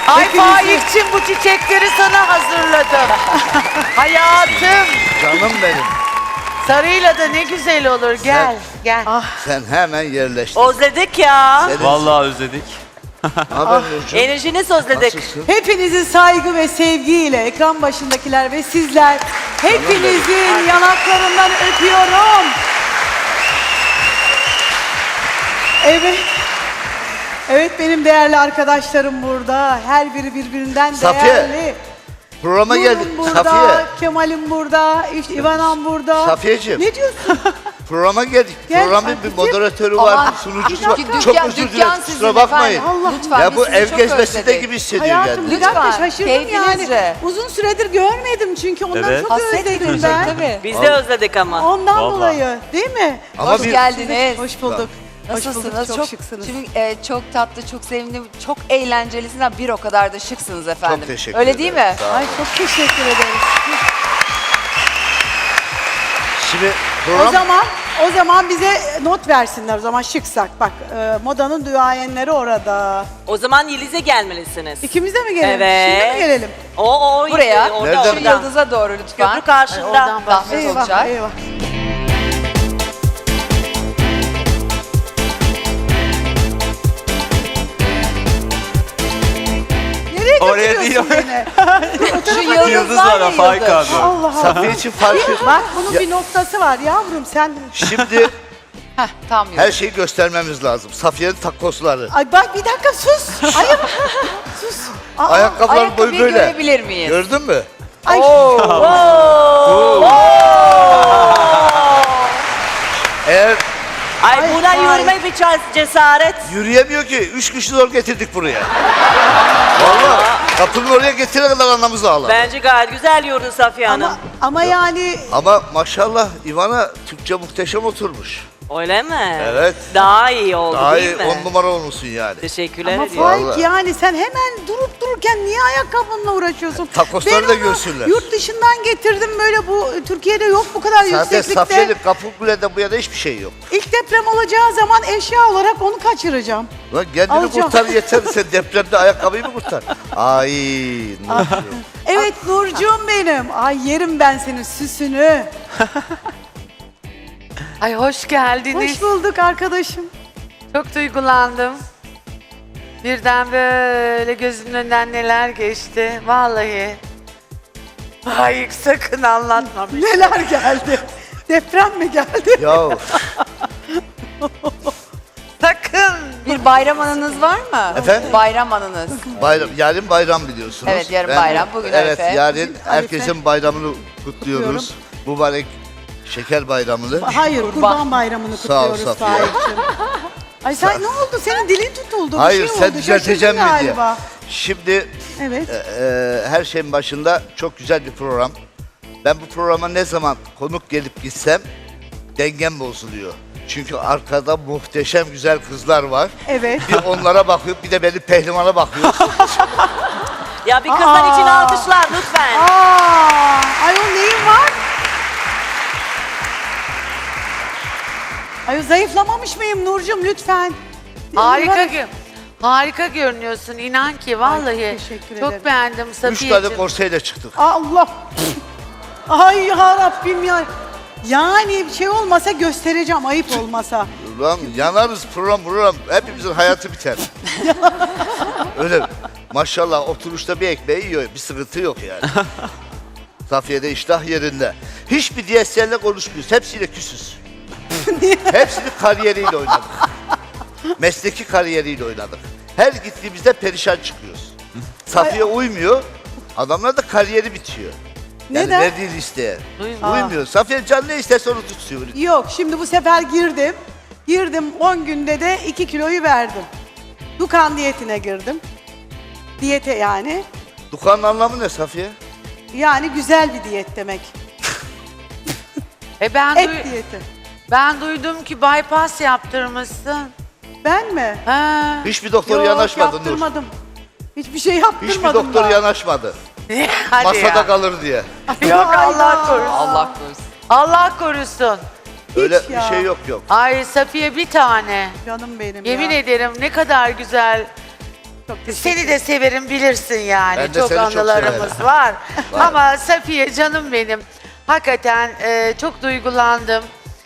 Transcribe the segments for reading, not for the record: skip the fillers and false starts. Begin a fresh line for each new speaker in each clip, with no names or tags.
Ay
Hepinizi-
Faik'cim bu çiçekleri sana hazırladım. Hayatım.
Canım benim.
Sarıyla da ne güzel olur. Gel, gel.
Sen hemen yerleştin.
Özledik ya.
Senin-
Vallahi özledik.
Ne haber Nurcuğum?
Enerjiniz özledik.
Nasılsın?
Hepinizi saygı ve sevgiyle ekran başındakiler ve sizler hepinizin yanaklarından öpüyorum. Evet. Evet benim değerli arkadaşlarım burada. Her biri birbirinden
Safiye,
değerli.
Programa
Nur'um
geldik.
burada,
Safiye.
Kemal'im burada, işte İvanam burada.
Safiyeciğim.
Ne diyorsun?
Programa geldik.
Gel,
Programın bir
Safiyeciğim.
moderatörü var,
Aman,
sunucusu var.
dükkan-
Çok özür
dükkan
dilerim.
sizin
Kusura bakmayın.
efendim.
Allah.
Lütfen,
Ya
biz
bu
sizi
ev
çok
gezmesinde
özledik.
gibi hissediyor
Hayatım
kendini.
bir dakika
Lütfen,
şaşırdım yani.
keyfinizce.
Uzun süredir görmedim çünkü ondan
Evet.
çok
Hasret
özledim
duyacak
ben.
tabii.
Biz de özledik ama.
Ondan
Vallahi.
dolayı değil mi?
Ama
Hoş
bir-
geldiniz.
Hoş bulduk. Hoş bulduk.
Nasılsınız?
Çok şıksınız.
Şimdi çok tatlı, çok sevimli, çok eğlencelisiniz. Bir o kadar da şıksınız efendim.
Çok teşekkür
Öyle
ederim.
değil mi?
Sağ olun.
Ay çok teşekkür ederiz.
Şimdi
O
program
zaman bize not versinler o zaman şıksak. Bak modanın duayenleri orada.
O zaman Yeliz'e gelmelisiniz.
İkimiz de mi gelelim?
Evet.
Şimdi mi gelelim?
O
Buraya.
orada
Nereden?
Şu
orada.
yıldıza doğru lütfen.
Köprü karşında.
Oradan bak.
Zahmet
Eyvah
olacak.
eyvah. Nereye
Oraya
götürüyorsun
değil.
beni?
Şu yıldız
Yıldız
var
var
ya
ha Faik
yıldız.
abi.
Allah Allah.
Safiye için farkı.
Bak bunun bir noktası var yavrum sen.
Şimdi
Heh, tam yıldız.
her şeyi göstermemiz lazım. Safiye'nin takosları.
Ay bak bir dakika sus. Ayıp. Sus. Aa,
Ayakkabıların boyu
Ayakkabıyı
böyle.
görebilir miyiz?
Gördün mü?
ay.
Eğer
Ay
Ay,
buna
ay.
yürüme bir cesaret.
yürüyemiyor ki, 3 kişi zor getirdik buraya. Vallahi kapının oraya getirene kadar anamız ağladı.
Bence gayet güzel yürüdü Safiye Hanım.
Ama yani
Ama maşallah Ivana Türkçe muhteşem oturmuş.
Öyle mi?
Evet.
Daha iyi oldu
Daha
değil
iyi
mi?
10 numara olmuşsun yani.
Teşekkürler
ama
ediyorum.
Faik
Vallahi.
yani sen hemen durup dururken niye ayakkabınla uğraşıyorsun?
Takosları
Ben
da
onu
görsünler.
Yurt dışından getirdim böyle bu Türkiye'de yok bu kadar
Zaten
yükseklikte.
Safiye'nin Kapıkule'de bu yana hiçbir şey yok.
İlk deprem olacağı zaman eşya olarak onu kaçıracağım.
Lan kendini
Alacağım.
kurtar yeter, sen depremde ayakkabıyı mı kurtar? Ay Nurcuğum.
Evet Nurcuğum benim. Ay yerim ben senin süsünü.
Ay hoş geldiniz.
Hoş bulduk arkadaşım.
Çok duygulandım. Birden böyle gözümün önünden neler geçti. Vallahi. Faik sakın anlatma.
Neler geldi? Deprem mi geldi?
Ya
Sakın.
Bir bayram anınız var mı?
Efendim?
Bayram anınız.
bayram, yarın bayram biliyorsunuz.
Evet, yarın bayram, bugün
Evet,
Arife.
yarın herkesin bayramını kutluyoruz.
Kutluyorum.
Mübarek şeker bayramını.
Hayır Kurban Bayramını
Sağ ol
kutluyoruz
Safiye.
Faik'cim. Ay sen ne oldu? Senin dilin tutuldu. Bir
Hayır,
şey
sen
oldu.
düzelteceğim mi
Şaşırdın
diye.
galiba.
Şimdi
Evet.
her şeyin başında çok güzel bir program. Ben bu programa ne zaman konuk gelip gitsem dengem bozuluyor. Çünkü arkada muhteşem güzel kızlar var.
Evet.
Bir onlara bakıyor, bir de benim pehlimana bakıyor.
Ya bir kızlar için alkışlar lütfen.
Ayol neyin var? Ayol zayıflamamış mıyım Nurcuğum lütfen.
Harika görünüyorsun inan ki vallahi.
teşekkür ederim.
Çok beğendim
3 tane
Safiye'cim.
korseyle çıktık.
Allah. Ay ya Rabbim ya. Yani bir şey olmasa göstereceğim ayıp olmasa.
Ulan yanarız program hepimizin hayatı biter. Öyle maşallah oturuşta bir ekmeği yiyor, bir sıkıntı yok yani. Safiye'de iştah yerinde. Hiçbir DSL'le konuşmuyoruz, hepsiyle küsüz. Hepsinin kariyeriyle oynadık. Mesleki kariyeriyle oynadık. Her gittiğimizde perişan çıkıyoruz. Safiye uymuyor, adamlar da kariyeri bitiyor. Yani
Neden?
verdiği listeye. Uymuyor. Safiye can ne isterse onu tutuyor.
Yok şimdi bu sefer girdim. Girdim 10 günde de 2 kiloyu verdim. Dukan diyetine girdim. Diyete yani.
Dukanın anlamı ne Safiye?
Yani güzel bir diyet demek. Et diyeti.
Ben duydum ki bypass yaptırmışsın.
Ben mi?
Ha.
Hiçbir doktor
Yok,
yanaşmadı Nur.
yaptırmadım. Hiçbir şey yaptırmadım.
Hiçbir doktor
daha.
yanaşmadı.
Hadi
Masada
ya.
kalır diye.
Yok
Ay
Allah
ya.
korusun.
Allah korusun.
Allah korusun.
Öyle
ya.
bir şey yok yok.
Ay Safiye bir tane.
Canım benim
Yemin
ya.
ederim ne kadar güzel
Çok teşekkür
Seni de severim bilirsin yani.
Ben de
Çok
seni çok
anılarımız
severim.
var.
Var.
Ama Safiye canım benim. Hakikaten çok duygulandım.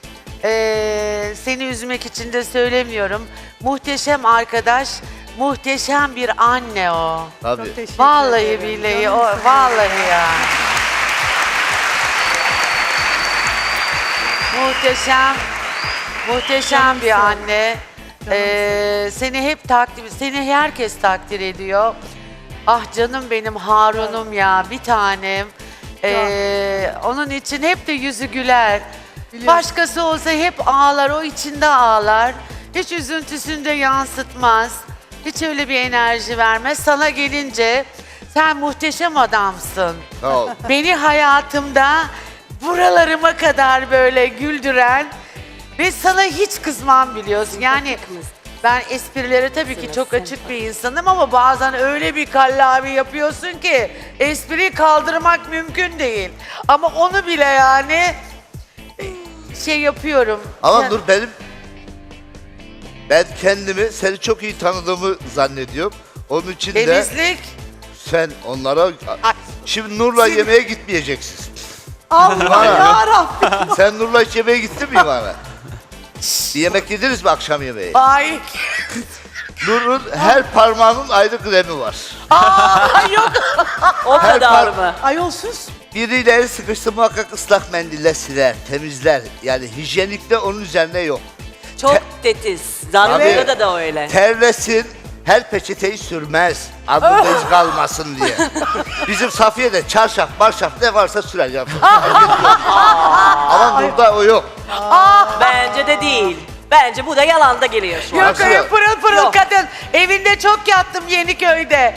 Seni üzmek için de söylemiyorum. Muhteşem arkadaş, muhteşem bir anne o.
Tabii.
Çok teşekkür
Vallahi
ederim.
billahi
Canım
o
senin.
vallahi ya. Muhteşem bir anne. Seni hep seni herkes takdir ediyor. Ah canım benim Harun'um ya bir tanem. Onun için hep de yüzü güler.
Biliyorum.
Başkası olsa hep ağlar, o içinde ağlar. Hiç üzüntüsünü de yansıtmaz. Hiç öyle bir enerji vermez. Sana gelince sen muhteşem adamsın.
Sağ ol.
Beni hayatımda buralarıma kadar böyle güldüren ve sana hiç kızmam biliyorsun. Yani ben esprilere tabii ki çok açık bir insanım ama bazen öyle bir kallavi yapıyorsun ki espriyi kaldırmak mümkün değil. Ama onu bile yani şey yapıyorum.
Ama
Sen-
Nur ben kendimi seni çok iyi tanıdığımı zannediyorum. Onun için de
Temizlik.
sen onlara
Ay,
şimdi Nur'la yemeğe gitmeyeceksiniz.
Allah yarabbim.
Sen Nur'la hiç yemeğe gittin mi bana? Bir yemek yediniz mi akşam yemeği?
Ay.
Nur'un her parmağının ayrı kremi var.
Yok.
O
Her
kadar
par-
mı?
Ayolsuz.
Biriyle el sıkıştı muhakkak ıslak mendille siler, temizler. Yani hijyenikte onun üzerine yok.
Çok tetiz. Zannetta'da
Tabii.
da öyle.
Terlesin, her peçeteyi sürmez. Adında iz kalmasın diye. Bizim Safiye de çarşaf, marşaf ne varsa sürer ya. Ama burada o yok.
Bence de değil. Bence bu da yalanda geliyor şu an.
Yok
Nasıl
öyle
ya?
pırıl pırıl
Yok.
kadın. Evinde çok yattım Yeniköy'de.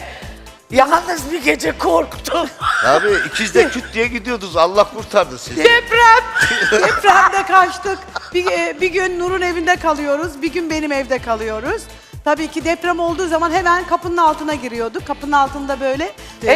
Yalnız bir gece korktum.
Abi ikiz de küt diye gidiyordunuz. Allah kurtardı sizi.
Deprem.
Depremde kaçtık. Bir gün Nur'un evinde kalıyoruz. Bir gün benim evde kalıyoruz. Tabii ki deprem olduğu zaman hemen kapının altına giriyorduk. Kapının altında böyle.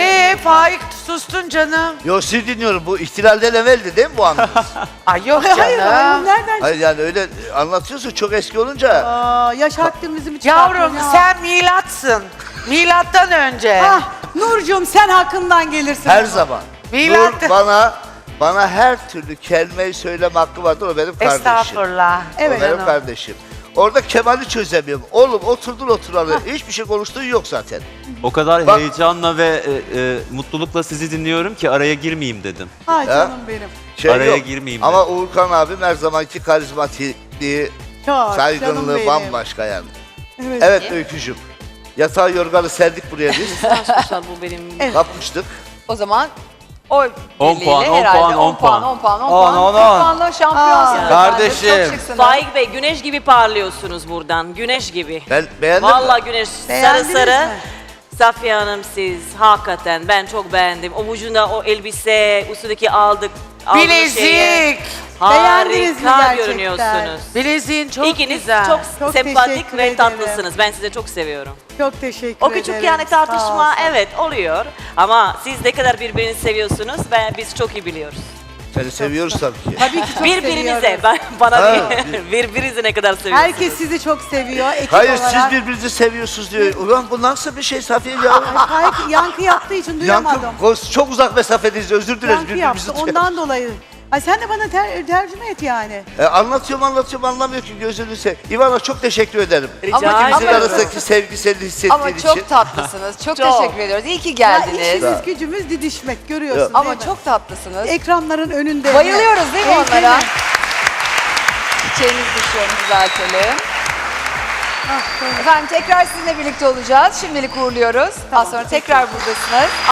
Faik sustun canım.
Yo sizi dinliyorum. Bu ihtilalden evveldi değil mi bu anınız?
Ay yok
Hayır, hayır,
canım.
nereden?
Hayır yani öyle anlatıyorsun çok eski olunca.
Aa, yaş haddimizi mi çıkartıyorsun
Yavrum
ya?
sen milatsın. Milattan önce.
Ah, Nurcuğum sen hakkından gelirsin.
Her zaman.
Milat-
Nur bana her türlü kelimeyi söyleme hakkı vardır. O benim kardeşim.
Estağfurullah.
Evet
O benim
canım.
kardeşim. Orada Kemal'i çözemiyorum. Oğlum oturdun oturalı. Hiçbir şey konuştuğun yok zaten.
O kadar
Bak-
heyecanla ve mutlulukla sizi dinliyorum ki araya girmeyeyim dedim.
Ay
Ya.
canım benim.
Araya girmeyeyim
Ama Uğurkan abim her zamanki karizmatikliği,
Çok canım
saygınlığı
benim.
bambaşka yani.
Evet.
Evet Öykücüğüm. Yatağı yorganı serdik buraya biz.
Arkadaşlar bu benim.
Evet.
Kapmıştık.
O zaman oy
10
birliğiyle
puan, 10
herhalde
puan, 10 puan.
10 puan, 10
On,
puan.
10,
10 puanla şampiyonsunuz.
Kardeşim.
efendim. Çok şıksınız.
Faik Bey güneş gibi parlıyorsunuz buradan. Güneş gibi.
Ben beğendim.
Vallahi güneş sarı
Beğendiniz
sarı.
mi?
Safiye Hanım siz hakikaten ben çok beğendim. Omucunda o elbise, üstündeki aldığı şeye
Bilezik.
Beğendiniz mi
harika
gerçekten?
görünüyorsunuz.
Bileziğin çok
İkiniz
güzel.
çok,
Çok
sempatik
teşekkür
ve
ederim.
tatlısınız. Ben sizi çok seviyorum.
Çok teşekkür
O
ederim.
küçük yani
Sağ
tartışma
olsun.
evet oluyor ama siz ne kadar birbirini seviyorsunuz ve biz çok iyi biliyoruz.
Seni seviyoruz tabii ki.
Tabii ki çok
Birbirinize,
seviyoruz.
bana
Ha.
değil, birbirinize ne kadar seviyorsunuz.
Herkes sizi çok seviyor. Ekip
Hayır
olarak.
siz birbirinizi seviyorsunuz diyor. Ulan bu nasıl bir şey Safiye ya?
Hayır, yankı yaptığı için duyamadım.
Çok uzak mesafedeyiz özür dileriz
Yankı yaptı ondan dolayı. Ay sen de bana tercüme et yani.
Anlatıyorum anlamıyor ki gözünü seveyim. İvana çok teşekkür ederim.
Rica
Ama
ederim.
İkimizin
Ama-
arasındaki sevgisini hissettiğin
Ama
için.
çok tatlısınız. Çok teşekkür ediyoruz. İyi ki
Ya
geldiniz.
işimiz gücümüz didişmek görüyorsun
Ama
değil mi?
çok tatlısınız.
Ekranların önünde.
Bayılıyoruz değil mi
Evet,
onlara?
evet.
Çiçeğimizi düşüyorum düzeltelim.
Ah,
Efendim tekrar sizinle birlikte olacağız. Şimdilik uğurluyoruz. Daha sonra tekrar buradasınız.